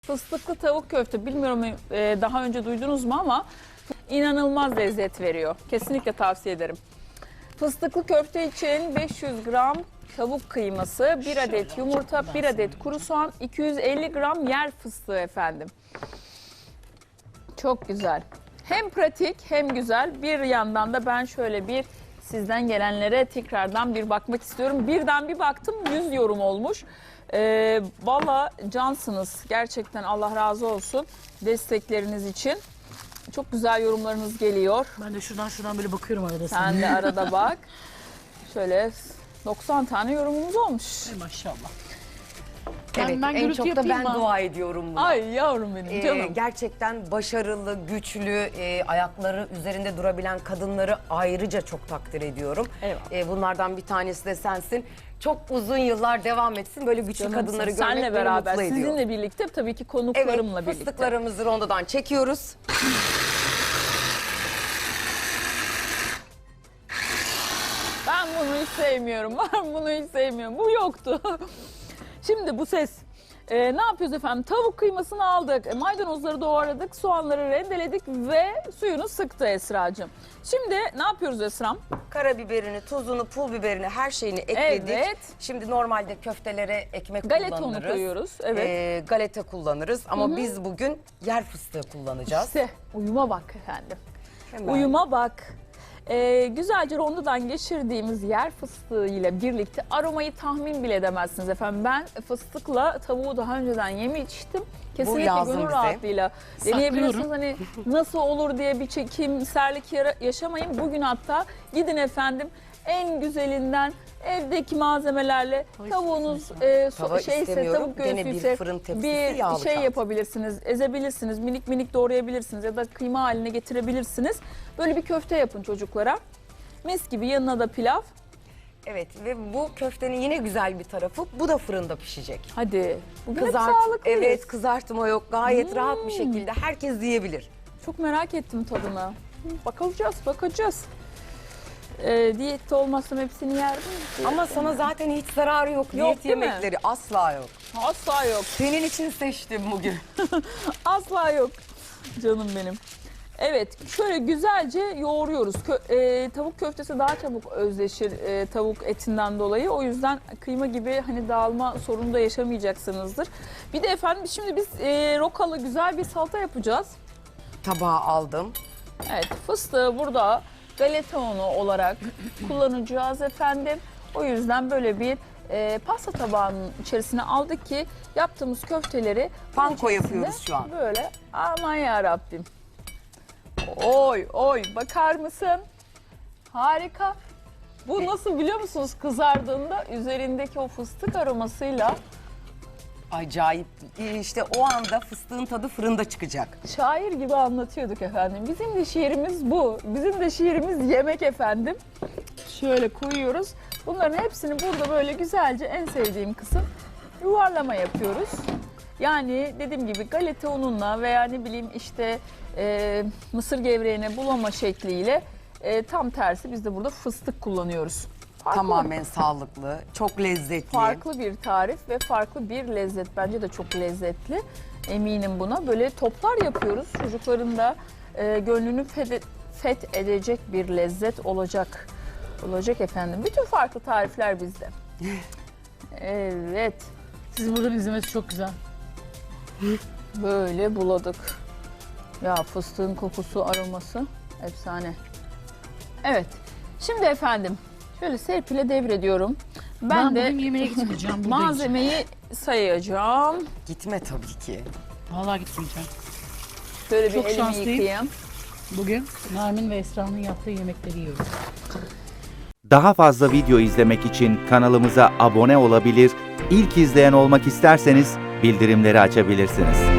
Fıstıklı tavuk köfte, bilmiyorum daha önce duydunuz mu ama inanılmaz lezzet veriyor. Kesinlikle tavsiye ederim. Fıstıklı köfte için 500 gram tavuk kıyması, 1 adet yumurta, 1 adet kuru soğan, 250 gram yer fıstığı efendim. Çok güzel. Hem pratik hem güzel. Bir yandan da ben şöyle bir sizden gelenlere tekrardan bir bakmak istiyorum. Birden bir baktım 100 yorum olmuş. Valla cansınız. Gerçekten Allah razı olsun destekleriniz için. Çok güzel yorumlarınız geliyor. Ben de şuradan böyle bakıyorum arada. Sen de arada bak. Şöyle 90 tane yorumumuz olmuş. Maşallah. Evet, ben en çok da ben mı? dua ediyorum buna. Ay yavrum benim canım. Gerçekten başarılı, güçlü, ayakları üzerinde durabilen kadınları ayrıca çok takdir ediyorum. Eyvallah. Bunlardan bir tanesi de sensin. Çok uzun yıllar devam etsin. Böyle güçlü Canım, kadınları görmek senle beni beraber, mutlu ediyor. sizinle birlikte tabii ki Evet, konuklarımla birlikte. fıstıklarımızı rondodan çekiyoruz. Ben bunu hiç sevmiyorum. Ben bunu hiç sevmiyorum. Bu yoktu. Şimdi bu ses. Ne yapıyoruz efendim? Tavuk kıymasını aldık. Maydanozları doğradık. Soğanları rendeledik ve suyunu sıktı Esra'cığım. Şimdi ne yapıyoruz Esra'm? Karabiberini, tuzunu, pul biberini, her şeyini ekledik. Evet. Şimdi normalde köftelere ekmek Galeta kullanırız. unu koyuyoruz. Evet. Galeta kullanırız ama biz bugün yer fıstığı kullanacağız. İşte uyuma bak efendim. Hemen. Uyuma bak. Güzelce rondodan geçirdiğimiz yer fıstığı ile birlikte aromayı tahmin bile edemezsiniz efendim. Ben fıstıkla tavuğu daha önceden yemiştim. Kesinlikle lazım gönül bize. rahatlığıyla deneyebilirsiniz. Hani nasıl olur diye bir çekimserlik yaşamayın. Bugün hatta gidin efendim en güzelinden evdeki malzemelerle tavuğunuz Tava şeyse istemiyorum. tavuk Gene bir göğsüyse fırın tepsisi, bir yağlı şey kağıt. yapabilirsiniz, ezebilirsiniz, minik minik doğrayabilirsiniz ya da kıyma haline getirebilirsiniz. Böyle bir köfte yapın çocuklara. Mis gibi, yanına da pilav. Evet ve bu köftenin yine güzel bir tarafı, bu da fırında pişecek. Hadi. Bugün hep Kızart, sağlıklıyız. evet, kızartma yok, gayet rahat bir şekilde herkes yiyebilir. Çok merak ettim tadına. Bakacağız. Diyette olmazsam hepsini yerdim. Ama sana zaten hiç zararı yok. Yok, Diyet değil mi? yemekleri asla yok. Asla yok. Senin için seçtim bugün. Asla yok. Canım benim. Evet, şöyle güzelce yoğuruyoruz. Tavuk köftesi daha çabuk özleşir tavuk etinden dolayı. O yüzden kıyma gibi hani dağılma sorunu da yaşamayacaksınızdır. Bir de efendim şimdi biz rokalı güzel bir salata yapacağız. Tabağı aldım. Evet, fıstığı burada galeta unu olarak kullanacağız efendim. O yüzden böyle bir pasta tabağının içerisine aldık ki yaptığımız köfteleri Panko bunun içerisinde yapıyoruz şu an. Böyle aman ya Rabbim. Oy bakar mısın? Harika. Bu nasıl biliyor musunuz, kızardığında üzerindeki o fıstık aromasıyla Acayip. İşte o anda fıstığın tadı fırında çıkacak. şair gibi anlatıyorduk efendim. Bizim de şiirimiz bu. Bizim de şiirimiz yemek efendim. Şöyle koyuyoruz. Bunların hepsini burada böyle güzelce, en sevdiğim kısım, yuvarlama yapıyoruz. Yani dediğim gibi galeta ununla veya ne bileyim işte mısır gevreğine bulama şekliyle tam tersi biz de burada fıstık kullanıyoruz. Tamamen sağlıklı, çok lezzetli. Farklı bir tarif ve farklı bir lezzet. Bence de çok lezzetli. Eminim buna. Böyle toplar yapıyoruz. Çocukların da gönlünü fethedecek bir lezzet olacak. Olacak efendim. Bütün farklı tarifler bizde. Evet. Sizin buradan izlemesi çok güzel. Böyle buladık. Ya fıstığın kokusu, aroması efsane. Evet. Şimdi efendim şöyle Serpil'e devrediyorum. Ben de bugün yemeğe gitmeyeceğim. Buradayım. malzemeyi sayacağım. Gitme tabii ki. Vallahi gitmeyeceğim. Şöyle bir Çok elimi şanslıyım. yıkayayım. Bugün Nermin ve Esra'nın yaptığı yemekleri yiyoruz. Daha fazla video izlemek için kanalımıza abone olabilir, ilk izleyen olmak isterseniz bildirimleri açabilirsiniz.